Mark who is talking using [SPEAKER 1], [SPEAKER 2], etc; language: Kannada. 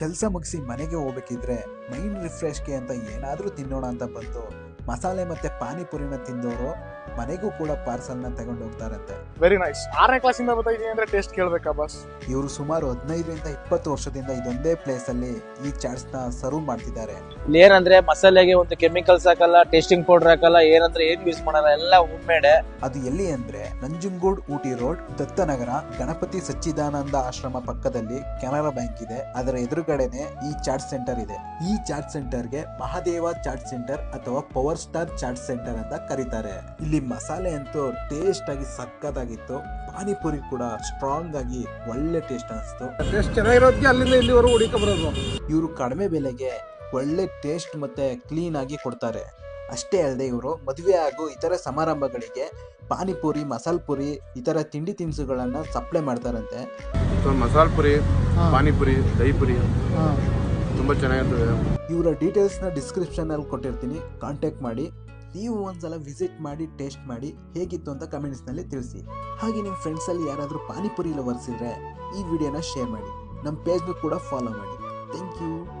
[SPEAKER 1] ಕೆಲಸ ಮುಗಿಸಿ ಮನೆಗೆ ಹೋಗ್ಬೇಕಿದ್ರೆ ಮೈಂಡ್ ರಿಫ್ರೆಶ್ಗೆ ಅಂತ ಏನಾದರೂ ತಿನ್ನೋಣ ಅಂತ ಬಂದು ಮಸಾಲೆ ಮತ್ತೆ ಪಾನಿಪುರಿನ ತಿಂದವರು ಮನೆಗೂ ಕೂಡ ಪಾರ್ಸಲ್ನ ತಗೊಂಡು ಹೋಗ್ತಾರಂತೆ.
[SPEAKER 2] Very nice. 6ನೇ ಕ್ಲಾಸಿಂದ ಬರ್ತಾ ಇದೀನಿ ಅಂದ್ರೆ ಟೇಸ್ಟ್ ಕೇಳ್ಬೇಕಾ ಬಾಸ್?
[SPEAKER 1] ಇವರು ಸುಮಾರು 15ರಿಂದ 20 ವರ್ಷದಿಂದ ಇದೊಂದೇ ಪ್ಲೇಸ್ ಅಲ್ಲಿ ಈ ಚಾಟ್ಸ್ ನ ಸರ್ವ್ ಮಾಡ್ತಿದ್ದಾರೆ.
[SPEAKER 3] ಇಲ್ಲಿ ಏನಂದ್ರೆ ಮಸಾಲೆಗೆ ಒಂದು ಕೆಮಿಕಲ್ಸ್ ಹಾಕಲ್ಲ, ಟೇಸ್ಟಿಂಗ್ ಪೌಡರ್ ಹಾಕಲ್ಲ, ಏನಂದ್ರೆ ಏನು ಯೂಸ್ ಮಾಡಲ್ಲ, ಎಲ್ಲ ಹೋಮ್ ಮೇಡ್.
[SPEAKER 1] ಅದು ಎಲ್ಲಿ ಅಂದ್ರೆ ನಂಜನಗೂಡು ಊಟಿ ರೋಡ್, ದತ್ತನಗರ, ಗಣಪತಿ ಸಚ್ಚಿದಾನಂದ ಆಶ್ರಮ ಪಕ್ಕದಲ್ಲಿ ಕೆನರಾ ಬ್ಯಾಂಕ್ ಇದೆ. ಅದರ ಎದುರುಗಡೆನೆ ಈ ಚಾಟ್ ಸೆಂಟರ್ ಇದೆ. ಈ ಚಾಟ್ ಸೆಂಟರ್ಗೆ ಮಹಾದೇವ ಚಾಟ್ ಸೆಂಟರ್ ಅಥವಾ ಪವರ್ ಸ್ಟಾರ್ ಚಾಟ್ ಸೆಂಟರ್ ಅಂತ ಕರೀತಾರೆ. ಇಲ್ಲಿ ಮಸಾಲೆ ಅಂತೂ ಟೇಸ್ಟ್ ಆಗಿ ಸಕ್ಕತ್ತಾಗಿತ್ತು. ಪಾನಿಪುರಿ ಕೂಡ ಸ್ಟ್ರಾಂಗ್ ಆಗಿ ಒಳ್ಳೆ ಟೇಸ್ಟ್ ಅನಿಸ್ತು.
[SPEAKER 2] ಟೇಸ್ಟ್ ಚೆನ್ನಾಗಿರೋದಕ್ಕೆ ಅಲ್ಲಿಂದ ಇಲ್ಲಿವರೆಗೂ ಹುಡುಕ ಬರೋದು.
[SPEAKER 1] ಇವರು ಕಡಿಮೆ ಬೆಲೆಗೆ ಒಳ್ಳೆ ಟೇಸ್ಟ್ ಮತ್ತೆ ಕ್ಲೀನ್ ಆಗಿ ಕೊಡ್ತಾರೆ. ಅಷ್ಟೇ ಅಲ್ಲದೆ ಇವರು ಮದುವೆ ಹಾಗೂ ಇತರ ಸಮಾರಂಭಗಳಿಗೆ ಪಾನಿಪುರಿ, ಮಸಾಲ್ ಪುರಿ ಇತರ ತಿಂಡಿ ತಿನಿಸುಗಳನ್ನ ಸಪ್ಲೈ ಮಾಡ್ತಾರಂತೆ.
[SPEAKER 2] ಮಸಾಲ್ ಪುರಿ, ಪಾನಿಪುರಿ, ದಹಿ ಪುರಿ ತುಂಬಾ ಚೆನ್ನಾಗಿರ್ತದೆ.
[SPEAKER 1] ಇವರ ಡೀಟೇಲ್ಸ್ ನ ಡಿಸ್ಕ್ರಿಪ್ಷನ್ ಅಲ್ಲಿ ಕೊಟ್ಟಿರ್ತೀನಿ, ಕಾಂಟ್ಯಾಕ್ಟ್ ಮಾಡಿ. ನೀವು ಒಂದ್ಸಲ ವಿಸಿಟ್ ಮಾಡಿ ಟೇಸ್ಟ್ ಮಾಡಿ ಹೇಗಿತ್ತು ಅಂತ ಕಮೆಂಟ್ಸ್ ನಲ್ಲಿ ತಿಳಿಸಿ. ಹಾಗೆ ನಿಮ್ಮ ಫ್ರೆಂಡ್ಸ್ ಅಲ್ಲಿ ಯಾರಾದರೂ ಪಾನಿಪುರಿ ಲವರ್ಸ್ ಇದ್ರೆ ಈ ವಿಡಿಯೋನ ಶೇರ್ ಮಾಡಿ. ನಮ್ಮ ಪೇಜ್ನು ಕೂಡ ಫಾಲೋ ಮಾಡಿ. Thank you.